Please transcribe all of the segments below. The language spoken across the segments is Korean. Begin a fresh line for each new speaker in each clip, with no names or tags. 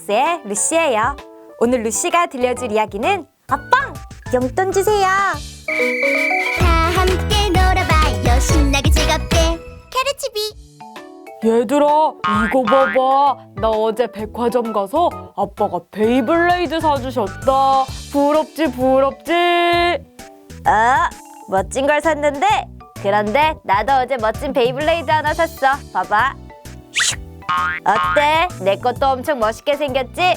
블록스의 루시예요. 오늘 루시가 들려줄 이야기는 아빵! 용돈 주세요.
다 함께 놀아봐요. 신나게 즐겁게 캐르치비.
얘들아, 이거 봐봐. 나 어제 백화점 가서 아빠가 베이블레이드 사주셨다. 부럽지, 부럽지?
멋진 걸 샀는데 그런데 나도 어제 멋진 베이블레이드 하나 샀어. 봐봐. 어때? 내 것도 엄청 멋있게 생겼지?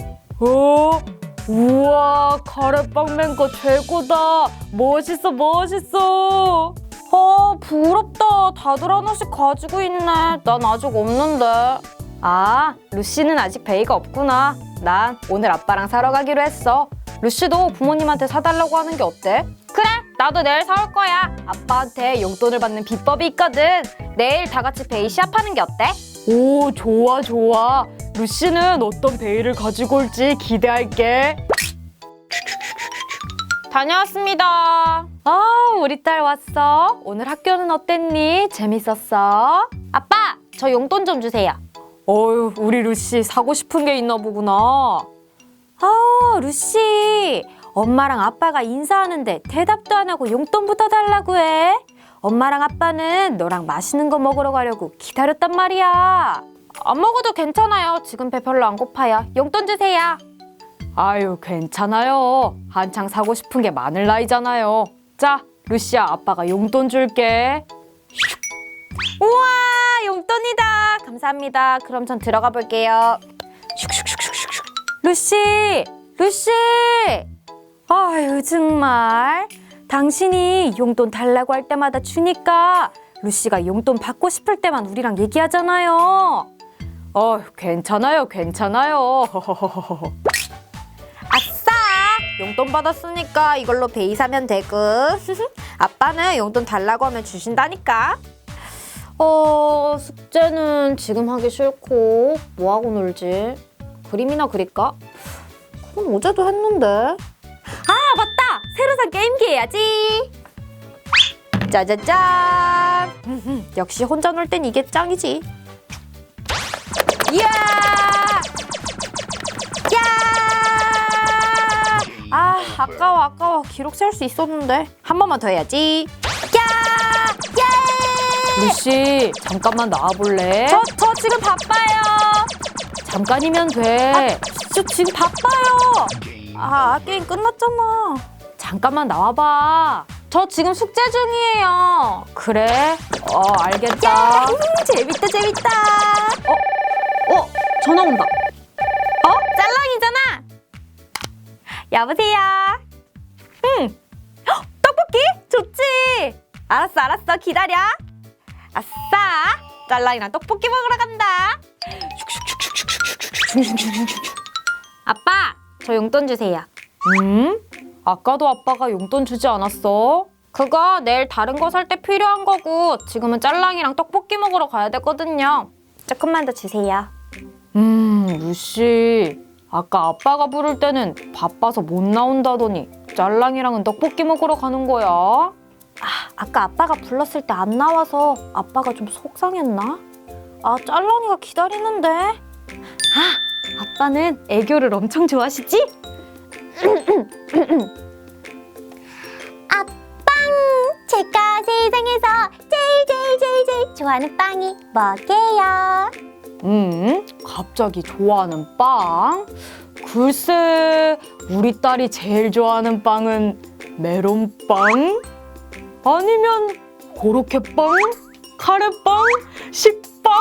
우와, 카레빵맨 거 최고다. 멋있어, 멋있어.
부럽다. 다들 하나씩 가지고 있네. 난 아직 없는데. 아, 루시는 아직 베이가 없구나. 난 오늘 아빠랑 사러 가기로 했어. 루시도 부모님한테 사달라고 하는 게 어때? 그래, 나도 내일 사올 거야. 아빠한테 용돈을 받는 비법이 있거든. 내일 다 같이 베이 시합하는 게 어때?
오, 좋아, 좋아. 루시는 어떤 베이를 가지고 올지 기대할게.
다녀왔습니다. 우리 딸 왔어. 오늘 학교는 어땠니? 재밌었어? 아빠, 저 용돈 좀 주세요.
어휴, 우리 루시 사고 싶은 게 있나 보구나.
루시. 엄마랑 아빠가 인사하는데 대답도 안 하고 용돈부터 달라고 해. 엄마랑 아빠는 너랑 맛있는 거 먹으러 가려고 기다렸단 말이야. 안 먹어도 괜찮아요. 지금 배 별로 안 고파요. 용돈 주세요.
아유, 괜찮아요. 한창 사고 싶은 게 많을 나이잖아요. 자, 루시야, 아빠가 용돈 줄게.
우와, 용돈이다. 감사합니다. 그럼 전 들어가 볼게요. 루시, 루시. 아유, 정말. 당신이 용돈 달라고 할 때마다 주니까 루시가 용돈 받고 싶을 때만 우리랑 얘기하잖아요.
괜찮아요, 괜찮아요.
아싸! 용돈 받았으니까 이걸로 베이 사면 되고. 아빠는 용돈 달라고 하면 주신다니까. 숙제는 지금 하기 싫고 뭐하고 놀지? 그림이나 그릴까? 그럼 어제도 했는데. 맞다! 새로 산 게임기 해야지. 짜자잔! 역시 혼자 놀 땐 이게 짱이지. 이야! 아까워. 기록 셀 수 있었는데. 한 번만 더 해야지.
루시, 잠깐만 나와볼래?
저 지금 바빠요.
잠깐이면 돼.
저 지금 바빠요. 게임 끝났잖아.
잠깐만 나와봐.
저 지금 숙제 중이에요.
그래? 알겠다.
재밌다. 전화 온다. 짤랑이잖아. 여보세요. 떡볶이? 좋지. 알았어. 기다려. 아싸. 짤랑이랑 떡볶이 먹으러 간다. 아빠, 저 용돈 주세요.
아까도 아빠가 용돈 주지 않았어?
그거 내일 다른 거 살 때 필요한 거고 지금은 짤랑이랑 떡볶이 먹으러 가야 되거든요. 조금만 더 주세요.
루시, 아까 아빠가 부를 때는 바빠서 못 나온다더니 짤랑이랑은 떡볶이 먹으러 가는 거야?
아까 아빠가 불렀을 때 안 나와서 아빠가 좀 속상했나? 짤랑이가 기다리는데. 아빠는 애교를 엄청 좋아하시지? 제가 세상에서 제일 좋아하는 빵이 뭐게요?
갑자기 좋아하는 빵? 글쎄, 우리 딸이 제일 좋아하는 빵은 메론빵? 아니면 고로케빵? 카레빵? 식빵?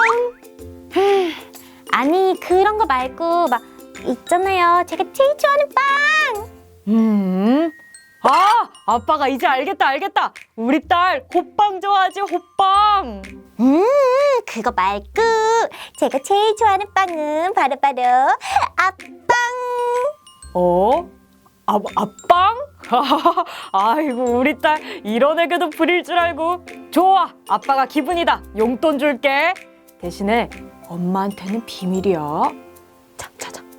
아니, 그런 거 말고 막 있잖아요. 제가 제일 좋아하는 빵.
아빠가 이제 알겠다. 우리 딸 호빵 좋아하지, 호빵.
그거 말고 제가 제일 좋아하는 빵은 바로 아빵.
아빵? 아이고, 우리 딸 이런 애교도 부릴 줄 알고. 좋아, 아빠가 기분이다. 용돈 줄게. 대신에 엄마한테는 비밀이야. 자.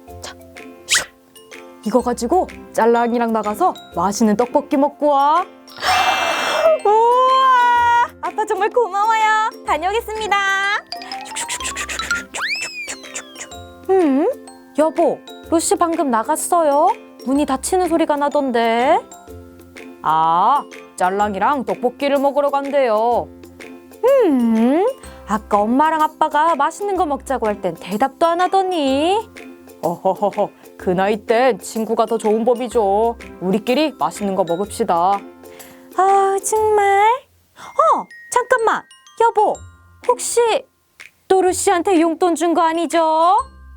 이거 가지고 짤랑이랑 나가서 맛있는 떡볶이 먹고 와.
우와, 아빠 정말 고마워요. 다녀오겠습니다. 여보, 루시 방금 나갔어요? 문이 닫히는 소리가 나던데.
아, 짤랑이랑 떡볶이를 먹으러 간대요.
아까 엄마랑 아빠가 맛있는 거 먹자고 할 땐 대답도 안 하더니.
어허허허, 그 나이 땐 친구가 더 좋은 법이죠. 우리끼리 맛있는 거 먹읍시다.
아, 정말? 잠깐만. 여보, 혹시 또 루시한테 용돈 준 거 아니죠?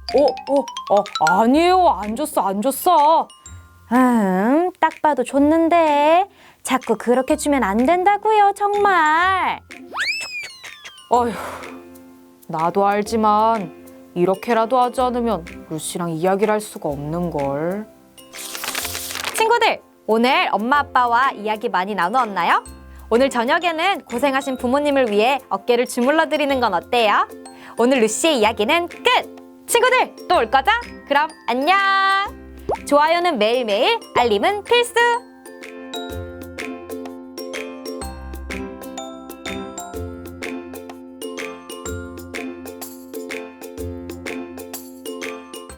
아니에요. 안 줬어.
딱 봐도 줬는데 자꾸 그렇게 주면 안 된다고요, 정말.
어휴, 나도 알지만 이렇게라도 하지 않으면 루시랑 이야기를 할 수가 없는걸.
친구들, 오늘 엄마 아빠와 이야기 많이 나누었나요? 오늘 저녁에는 고생하신 부모님을 위해 어깨를 주물러 드리는 건 어때요? 오늘 루시의 이야기는 끝! 친구들, 또 올 거죠? 그럼 안녕! 좋아요는 매일매일, 알림은 필수!